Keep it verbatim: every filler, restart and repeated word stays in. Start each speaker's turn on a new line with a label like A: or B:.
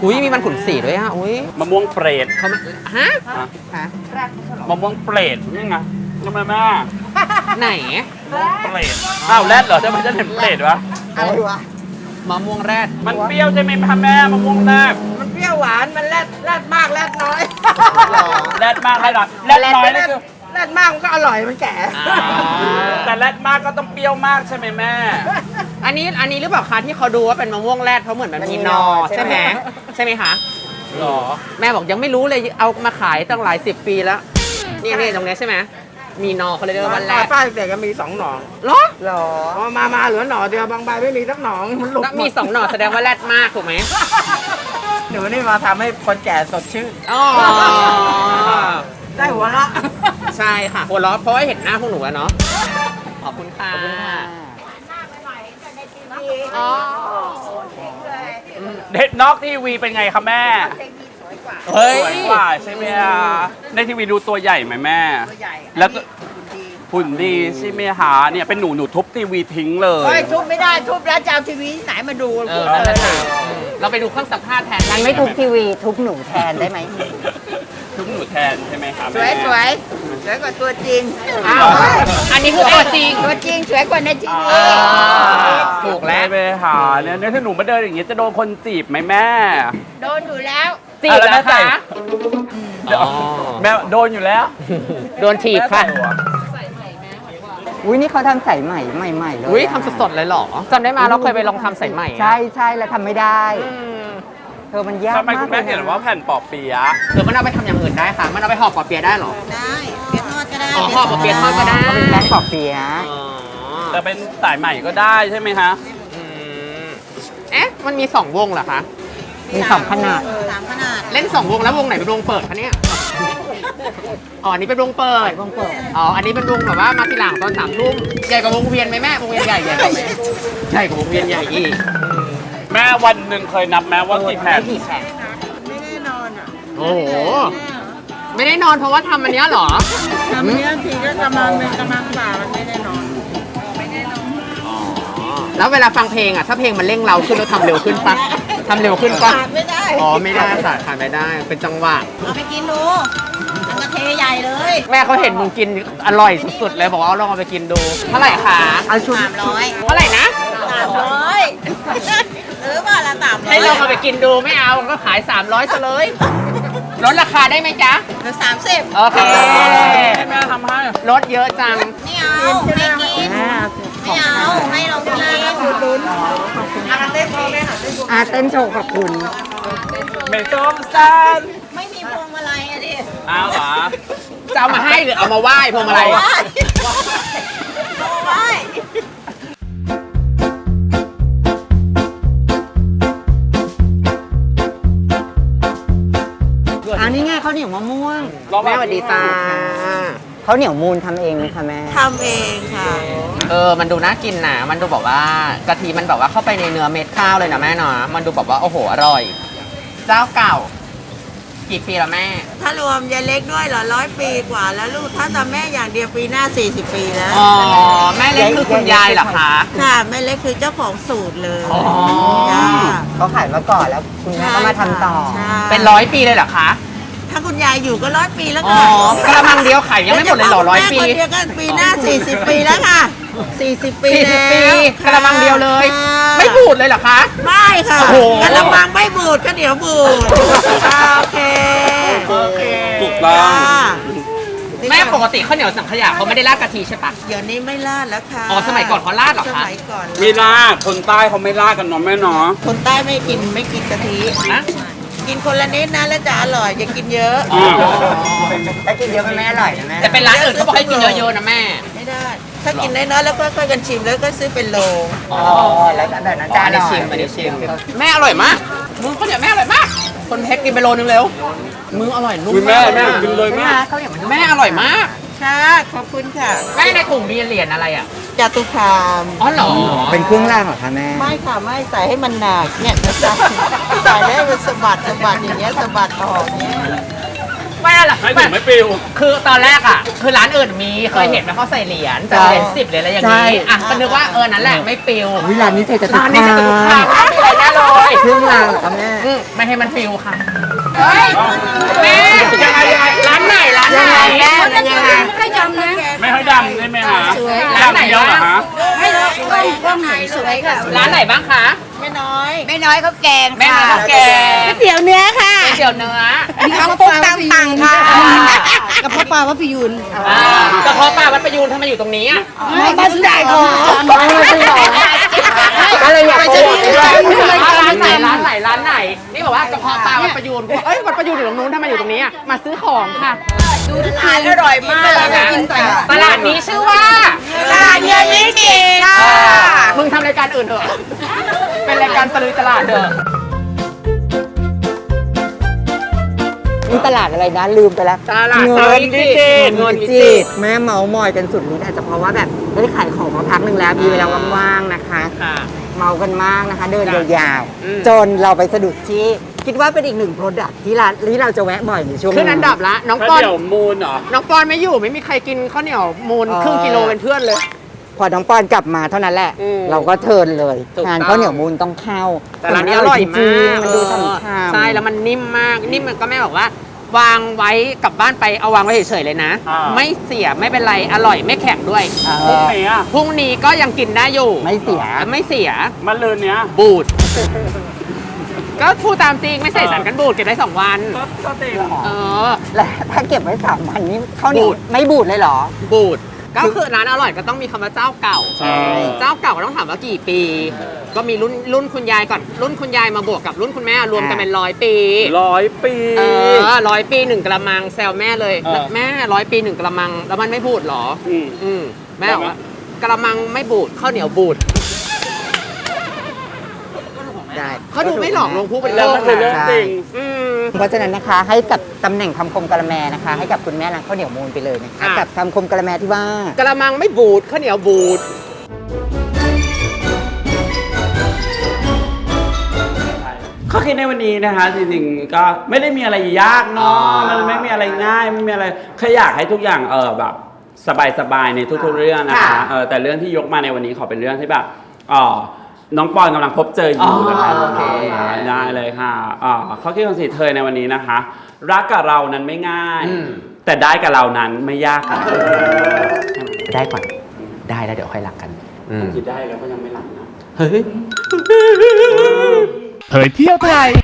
A: อุ้ยมีมันขุนสีด้วยอ่ะอุ้ย
B: มะม่วงเปรต
A: เขาไม่ฮะ
C: ฮะ
B: มะม่วงเปรตนี่ไงทำไมแม่
A: ไหน
B: เปรตอ้าวแรดเหรอทำไมฉันเห็นเปรตวะ
C: อะไรวะ
A: มะม่วงแรด
B: มันเปรี้ยวใช่ไหมคะแม่มะม่วงแรด
C: มันเปรี้ยวหวานมันแรดแรดมากแรดน้อย
B: แรดมากแรดน้อยแรดน้อยนี่คือ
C: แรดมากมันก็อร่อยมันแก่
A: อ่า
B: แต่แรดมากก็ต้องเปรี้ยวมากใช่ไหมแม่
A: อันนี้อันนี้หรือเปล่าคะที่เขาดูว่าเป็นมะม่วงแรดเพราะเหมือนมันมีนอใช่ไหมใช่ไหมคะ
B: หรอ
A: แม่บอกยังไม่รู้เลยเอามาขายตั้งหลายสิบปีแล้วนี่นี่ตรงนี้ใช่ไหมมีนอเขาเลยเรียกว่าวันแรด
C: ป้าเด็กก็มีสองหนอง
A: เหรอ
C: หรอมามาเหลือหนอเดียวบางใบไม่มีสักหนองมันหลุด
A: แล้วมีสองหน่อแสดงว่าแรดมากถูกไหม
C: เดี๋ยวนี่มาทำให้คนแก่สดชื่น
A: อ๋อ
C: ได้หัวเราะ
A: ใช่ค่ะหัวเราะเพราะว่าเห็นหน้าพวกหนูแล้วเนาะขอบคุณค่ะอ๋อ
B: เด็ดนอกทีวีเป็นไงคะแม่
A: เฮ้ย
B: สวยกว่าใช่ไหมคะในทีวีดูตัวใหญ่ไหมแม่ แล้วก็หุ่นดีใช่ไหมคะเนี่ยเป็นหนูหนูทุบทีวีทิ้งเลย
D: เฮ้ยทุบไม่ได้ทุบแล้วจะเอาทีวีที่ไหนมาดู
A: เออนั่นแหละค่ะเราไปดูเครื่องสัมภาษณ์แทน
D: มันไม่ทุบทีวีทุบหนูแทนได้ไหม
B: ทุบหนูแทนใช่ไหมคะ
D: สวยสวยสวยกว่าตัวจริง
A: อ้าวอันนี้คือตัวจริง
D: ตัวจริงสวยกว่าในทีวี
A: อ่าถูกแล้ว
B: ไปหาเนี่ยเนี่ยถ้าหนูมาเดินอย่างเงี้ยจะโดนคนจีบไหมแม่
D: โดนอยู่แล้ว
A: จีบแล้วคะ
B: เดี๋ยวแม่โดนอยู่แล้ว
A: โดนถีบค่ะ
D: อุ้ยนี่เขาทำใส่ใหม่ใหม่ๆเลย
A: อุ้ยทำสดๆเลยเหรอจำได้มาเราเคยไปลองทำสายใหม่อะ
D: ใช่ใช่แล้วทำไม่ได้
A: อืม
D: เธอมันยาก
B: ทำไม
D: มา
B: คุ
D: ก
B: ณ
D: เล
B: แม่
D: ย
B: เห็น
D: นะ
B: ว่าแผ่นปอเปียะ
A: หรือมันเอาไปทำอย่างอื่นได้ค่ะ มันเอาไปห่อปอเปียะได้เหรอ
E: ได้เปี๊ยะทอดก็ได้
A: อ๋อห่อปอเปียะทอดก็ได้
D: เขาเป็นแป้งปอบเปียะ
A: อ๋อ
B: แต่เป็นสายใหม่ก็ได้ใช่ไหมคะ
A: อืมเอ๊ะ มันมีสองวงเหรอคะ
D: มีสองขนาด
E: สามขนาด
A: เล่นสองวงแล้ววงไหนเป็นวงเปิดคะเนี่ย อ๋ออันนี้เป็นวงเปิด
D: วงเปิด
A: อ๋อ อันนี้เป็นวงแบบว่ามาทีหลังตอนสามทุ่มใหญ่กว่าวงเวียนไหมแม่ วงเวียนใหญ่ใหญ่กว่าไหมใหญ่กว่าวงเวียนใหญ่อีก
B: แม่วันหนึ่งเคยนับแม้ว่ากี่แผ่น
D: กี่แผ่น
E: ไม่แน่นอนอ่ะ
A: โอ้โห ไม่ได้นอนเพราะว่าทำอันเนี้ยเหรอ
E: ทำเนี้ยทีก็กำลังหนึ่งกำลังบ่ามันไม่แน่นอน
A: แล้วเวลาฟังเพลงอ่ะ ถ้าเพลงมันเร่งเราขึ้นเราทำเร็วขึ้นปะทำเร็วขึ้นปะ
E: ขาดไม่ได้
A: อ๋อ ไม่ได้ค่ะขาดไม่ได้ เป็นจังหวะ
E: เอาไปกินดูมันกระเทใหญ่เลย
A: แม่เขาเห็นมึงกินอร่อยสุดๆเลยบอกว่าเอาลองเอาไปกินดู เท่าไหร่คะ
D: เอาชุด
E: สามร้อย
A: เท่าไหร่นะ
E: สามร้อยหรือว่าละสามร้อย
A: ให้ลองเอาไปกินดูไม่เอาก็ขาย สามร้อยซะเลยลดราคาได้ไหมจ๊ะ
E: หรือสามสิบ
A: โอเค
B: ให้แม่ทำให้
A: ลดเยอะจัง
E: ไม่เอาไม่กินไม่เอาให้เรากิน
D: อาเต้นโชว์ขอบคุณ
B: ไม่ส้มซาน
E: ไม่มีพวงมาลัยอะดิ
B: อ้าวเหรอ
A: จะเอามาให้หรือเอามาไหว้พวงมาลัย
E: ไหว้ไหว้
D: อันนี้ไงข้าวเหนียวมะม่วง
A: แม่สวัสดีจ้า
D: ข้าวเหนียวมูลทำเองไหมคะแม่
E: ทำเองค่ะ
A: เออ มันดูน่ากินนะมันดูแบบว่ากะทิมันแบบว่าเข้าไปในเนื้อเม็ดข้าวเลยนะแม่เนาะมันดูแบบว่าโอ้โหอร่อย เจ้าเก่า กี่ปีแล้วแม่
E: ถ้ารวมยายเล็กด้วยเหรอร้อยปีกว่าแล้วลูกถ้าทำแม่อย่างเดียวปีหน้าสี่สิบปีแล้ว
A: อ๋อ แม่เล็กคือคุณยายเหรอคะ
E: ค่ะแม่เล็กคือเจ้าของสูตรเลย
A: อ๋อ
E: จ้า
D: เขาขายมาก่อนแล้วคุณแม่ก็มาทำต่อ
E: ใช่
A: เป็นร้อยปีเลยเหรอคะ
E: ถ้าคุณยายอยู่ก็ร้อยปีแล้ว
A: อ๋อ
E: ค่ะ
A: กระมังเดียวขายยังไม่หมดเลยเหรอร้อยปี
E: แม่คนเดียวกันปีหน้าสี่สิบปีแล้วค่ะสี่สิบปี
A: สี่สิบ
E: แล้ว
A: ปี
E: ค่
A: กระมังเดียวเลย
E: ค่ะ
A: ไม่บูดเลยเหรอคะ
E: ไม่ค่ะ
A: โอ้โห
E: กระมังไม่บูดก็เดี๋ยวบูดอ่าโอเค
A: โอเค
B: ถูกต้อง
E: จ้า
A: แม่ปกติข้าวเหนียวสังขยาเขาไม่ได้ราดกะทิใช่ปะ
E: เดี๋ยวนี้ไม่ลาดแล้วค่ะ
A: อ๋อสมัยก่อนเขาราดเหรอคะ
E: สมัยก่อน
B: มีลาดคนใต้เขาไม่ลาดกันเนาะแม่เนาะ
E: คนใต้ไม่กินไม่กินกะทิ
A: นะ
E: กินคนละนิดนะแล้วจะอร่อยอย่ากินเยอะ
B: อ่า
D: ถ้ากินเยอะมันไม่อร่อยนะแม่
A: แต่เป็นร้านอื่นเขาบอกให้กินเยอะๆนะแม่
E: ไม่ได้ ถ้ากินน้อยๆแล้วก็ค่อยๆกันชิมแล้วก็ซื้อเป็นโล
A: อ๋อ
D: แล้วแบบนั้น
A: จา
D: จะ
A: น
D: อ
A: ได้
D: ร่อย
A: ชิมอันนี้ชิมแม่อร่อยมากมึงข้าวเหนียวแม่อร่อยมาก คนเพชรกินไปโลนึงเร็วมึงอร่อยนุ่ม
B: อุ๊ยแม่
A: มาก
B: แม่กินเลย
D: แม่
B: แม่
D: ข้าวเหนียวมัน
A: แม่อร่อยมาก
E: ค่ะขอบคุณค่ะ
A: แม่ในถุงมีเหรียญอะไรอ่ะ
E: จาตุคาม
A: อ๋อเหรอ
D: เป็นเครื่องรางเหรอคะแม่
E: ไม่ค่ะไม่ใส่ให้มันหนักเนี่ยนะจ๊ะใส่แล้วให้มันสะบัดสะบัดอย่างเงี้ยสะบัดออกเนี้ย
A: ไม่อะไร
B: ให้ถึงไม่ปิว
A: คือตอนแรกอ่ะ คือร้านอื่นมีเคยเห็นว่าเขาใส่เหรียญแต่เหรียญสิบเหรียญอะไรอย่าง
D: ใช่
A: นี้อ่ะก็นึกว่าเออนั่นแหละไม่ปิว
D: วิลานนี้เธอจะติด
A: ร้านนี้จะถูกทางไม่มีอะไรแน่เลย
D: เครื่องรางเหรอคะแม่
A: อืมไม่ให้มันปิวค่ะเฮ้ยแม่ยังไงยังไงร้านไหนร้านไหน
D: ยังไงแม่ยังไง
E: ไม่จำนะ
B: ไม่ค่อยดำได้ไหมฮะ
A: ร้านไหน
B: ดำเยอะเหรอ
A: บ้าง
B: ฮะ
E: ไม่รู้ว่าว่าไหนสวยค่ะ
A: ร้านไหนบ้างคะ
E: ไม่น้อย ไม่น้อยเขาแกง
A: แม่น้อยข้าวแกง
E: ก๋วยเตี๋ยวเนื้อค่ะ
A: ก๋วยเตี๋ยวเนื้อ
E: มีข้าวปุ๊กตามสั่งค่ะ
A: อ่า
E: กระเพาะปลาวัดพิยูน
A: อ่ากระเพาะปลาวัดประยูนทำไมอยู่ตรงนี้อ่ะ
E: ไม่บ้านใหญ่ของ
D: ก็เลยอยากโปรโมทด้วย
A: ร้านไหนร้านไหนร้านไหนนี่บอกว่ากระเพาะปลาวัดประยูนเอ้ยวัดประยูนอยู่ตรงนู้นทำไมอยู่ตรงนี้อ่ะมาซื้อของค่ะ
E: ดูทานอร่อยมากเลยนะ
A: ตลาดนี้ชื่อว่า
E: ตลาดเงินนิจิค่ะ
A: มึงทำรายการอื่นเถอะ เป็นรายการตะลุยตลาดเถอะ
D: มีตลาดอะไรนะลืมไปแล้ว
A: ตลาด
D: เงิ
A: สาวน วิจิตร
D: เงินจิตแม่เมาส์มอยกันสุดฤทธิ์อาจจะเพราะว่าแบบได้ขายของมาพักหนึ่งแล้วมีเวลาว่างๆนะคะ
A: ค่ะ
D: เมากันมากนะคะ เดินยาว
A: อืม
D: ๆจนเราไปสะดุดที่คิดว่าเป็นอีกหนึ่งโปรดักที่ร้านที่เราจะแวะบ่อยในช่วง
A: ขึ้นอันดับละน้อง
B: ข้าว
A: ปอน
B: เดี๋ยวมูนเหรอ
A: น้องปอนไม่อยู่ไม่มีใครกินข้าวเหนียวมูลครึ่งกิโลเป็นเพื่อนเลย
D: พอน้องปอนกลับมาเท่านั้นแหละ
A: อืม
D: เราก็เทิร์นเลย
A: ถูกต้อง
D: งานข้าวเหนียวมูลต้องเข้า
A: แต่ร้านนี้อร่อย
D: จ
A: มาง ก
D: ๆมันดูฉ่ำๆ
A: ใช่แล้วมันนิ่มมากนิ่มมันก็แม่บอกว่า วางไว้กลับบ้านไปเอาวางไว้เฉยๆเลยนะ
B: อ่า
A: ไม่เสียไม่เป็นไรอร่อยไม่แข็งด้วย
D: เอ
B: พรุ่ง
D: อ
B: นี้อ่ะ
A: พรุ่งนี้ก็ยังกินได้อยู่
D: ไม่เสีย
A: ไม่เสีย
B: มันลืนเนี้ย
A: บูด ก็พูดตามจริงไม่ใส่สารกันบูดเก็บได้สองวัน
B: ก็ก็เต็ม
A: เออ
D: และถ้าเก็บไว้สามวันนี้ข้าวเหนียว
A: บูด
D: ไม่บูดเลยเหรอ
A: บูด ก็คือร้านอร่อยก็ต้องมีคำว่าเจ้าเก่า
B: ใช่
A: เจ้าเก่าก็ต้องถามว่ากี่ปี ก็มีรุ่นรุ่นคุณยายก่อนรุ่นคุณยายมาบวกกับรุ่นคุณแม่รวมกันเป็นร้อยปี
B: ร้อยปี
A: เออร้อยปีหนึ่งกระมังแซวแม่เลย
B: เออ
A: แม่ร้อยปีหนึ่งกระมังแล้วมันไม่บูดเหรอ
B: อืม
A: อืมแม่บอกว่ากระมังไม่บูดข้าวเหนียวบูด
D: ได้
A: เขาดูไม่หลอกลวงผู้บริโภ
B: แล้ว
A: ค
B: มันคือเรื่อง
A: นะ
B: จริง
A: อืม
D: เพราะฉะนั้นนะคะให้กับตำแหน่งคำคมกะละแมนะคะ ให้กับคุณแม่ร้านข้าวเหนียวมูลไปเลยนะคะ
A: อ่ะ
D: กับคำคมกะละแมที่ว่า
A: กระมังไม่บูดข้าวเหนียวบูด
B: ข้อคิดในวันนี้นะคะจริงๆก็ไม่ได้มีอะไรยากเนาะมันไม่มีอะไรง่ายไม่มีอะไรแค่อยากให้ทุกอย่างเออแบบสบายๆในทุกๆเรื่องนะคะ
A: ค่ะ
B: เออแต่เรื่องที่ยกมาในวันนี้ขอเป็นเรื่องที่แบบเออน้องปอนกำลังพบเจออยู่นะคะ
A: อ๋อโอเค
B: ได้เลยค่ะเออข้อคิดของสีเธอในวันนี้นะคะ รักกับเรานั้นไม่ง่าย แต่ได้กับเรานั้นไม่ยากค่ะ
A: ได้ก่อนได้แล้วเดี๋ยวค่อยรักกัน
B: คิดได้แล้วก็ยังไม่หลับนะ
A: เฮ้ย
F: เผยเที่ยวไทย